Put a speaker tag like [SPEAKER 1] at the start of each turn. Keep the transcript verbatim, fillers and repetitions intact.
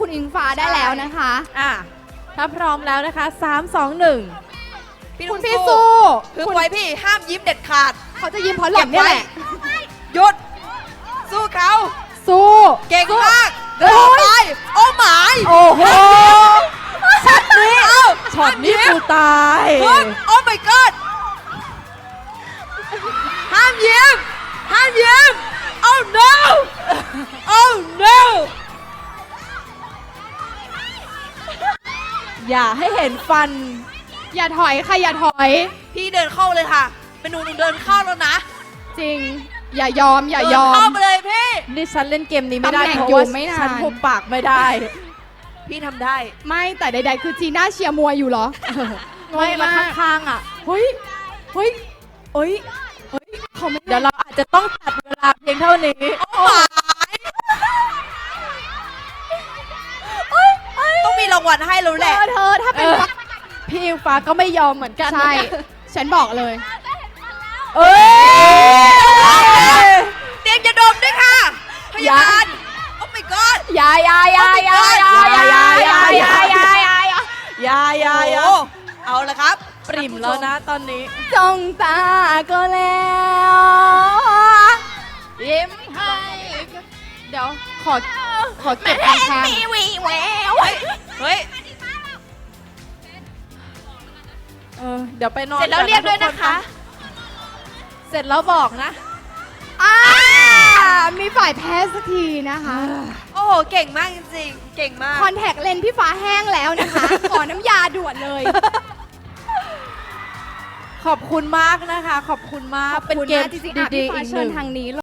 [SPEAKER 1] คุณอิงฟ้าได้แล้วนะคะ
[SPEAKER 2] อ่ะถ้าพร้อมแล้วนะคะสาม สอง หนึ่ง
[SPEAKER 1] คุณพี่สู้
[SPEAKER 3] คือไว้พี่ห้ามยิ้มเด็ดขาด
[SPEAKER 1] เขาจะยิ้มเพราะหล่อนเนี่ยแหละ
[SPEAKER 3] หยุด สู้เขา
[SPEAKER 1] สู้
[SPEAKER 3] เก่งมาก
[SPEAKER 1] โอ้
[SPEAKER 3] เดิน
[SPEAKER 1] ย
[SPEAKER 3] ไปโอ้หมาย
[SPEAKER 2] โอ้โหช็อตนี้
[SPEAKER 3] เอ้า
[SPEAKER 2] ช็อตนี้กูตาย
[SPEAKER 3] ฮึบโอ้ my god ห้ามยิ้มห้ามยิ้ม oh no oh no
[SPEAKER 2] อย่าให้เห็นฟัน
[SPEAKER 1] อย่าถอยค่ะอย่าถอย
[SPEAKER 3] พี่เดินเข้าเลยค่ะ เป็นหนูหนูเดินเข้าแล้วนะ
[SPEAKER 1] จริง อย่ายอมอย่ายอ
[SPEAKER 3] เดินเข้าม ไปเลยพี่
[SPEAKER 2] นี่ฉันเล่นเกมนี้ไม่ได้
[SPEAKER 1] ตำแหน่ง
[SPEAKER 2] เพราะ
[SPEAKER 1] อยู่
[SPEAKER 2] ว่า
[SPEAKER 1] ไม่นาน
[SPEAKER 2] ฉันหุบปากไม่ได้
[SPEAKER 3] พี่ทำได้
[SPEAKER 1] ไม่แต่ใดๆคือจีน่าเชียร์มวยอยู่เหรอ
[SPEAKER 2] ไม่
[SPEAKER 1] งง
[SPEAKER 2] มาม
[SPEAKER 1] าก
[SPEAKER 2] ข้างๆอ่ะ
[SPEAKER 1] เฮ้ยเฮ้ยเฮ้ยเฮ้ยเขาไม่
[SPEAKER 2] เดี๋ยวเราอาจจะต้องตัดเวลาเพียงเท่านี้
[SPEAKER 3] ต้องมีรางวัลให้แล้ว
[SPEAKER 1] เธ
[SPEAKER 3] แหละ
[SPEAKER 1] อเธอถ้าเป็น
[SPEAKER 2] เออ
[SPEAKER 1] ฟัก
[SPEAKER 2] พี่อิงฟ้าก็ไม่ยอมเหมือนกัน
[SPEAKER 1] ใช่ ฉันบอกเลย
[SPEAKER 2] เอ้ย
[SPEAKER 3] เตรียมจะดมด้วยค่ะ พยาบาล โอ้ my god
[SPEAKER 1] อยาอยาอยาอยาอยาอยาอยาอยาอยาอยาอยา
[SPEAKER 2] อยาอยาอยา
[SPEAKER 3] โอ้เอาละครับ
[SPEAKER 2] ปริ่มแล้วนะตอนนี้
[SPEAKER 1] จ้องตาก็แล้วยิ้มให้เดี๋ยวขอขอเก็บทางทาง
[SPEAKER 3] เฮ้ย
[SPEAKER 2] เออเดี๋ยวไปนอน
[SPEAKER 3] เสร็จแล้ว
[SPEAKER 2] ก่อ
[SPEAKER 3] เรียกด้วยนะคะ
[SPEAKER 2] เสร็จแล้วบอกนะ
[SPEAKER 1] อ่ามีฝ่ายแพ้สักทีนะคะ
[SPEAKER 3] โอ้โห เก่งมากจริงๆ เก่งมาก
[SPEAKER 1] คอนแทคเลนส์พี่ฟ้าแห้งแล้วนะคะ ขอน้ำยาด่วนเลย
[SPEAKER 2] ขอบคุณมากนะคะ ขอบคุณมาก
[SPEAKER 1] เป็นเกมจริงๆอ่ะ
[SPEAKER 2] ดี
[SPEAKER 1] พี่
[SPEAKER 2] ๆ
[SPEAKER 1] ฟ้า
[SPEAKER 2] อีกห
[SPEAKER 1] เชิญ
[SPEAKER 2] นึ่ง
[SPEAKER 1] ทางนี้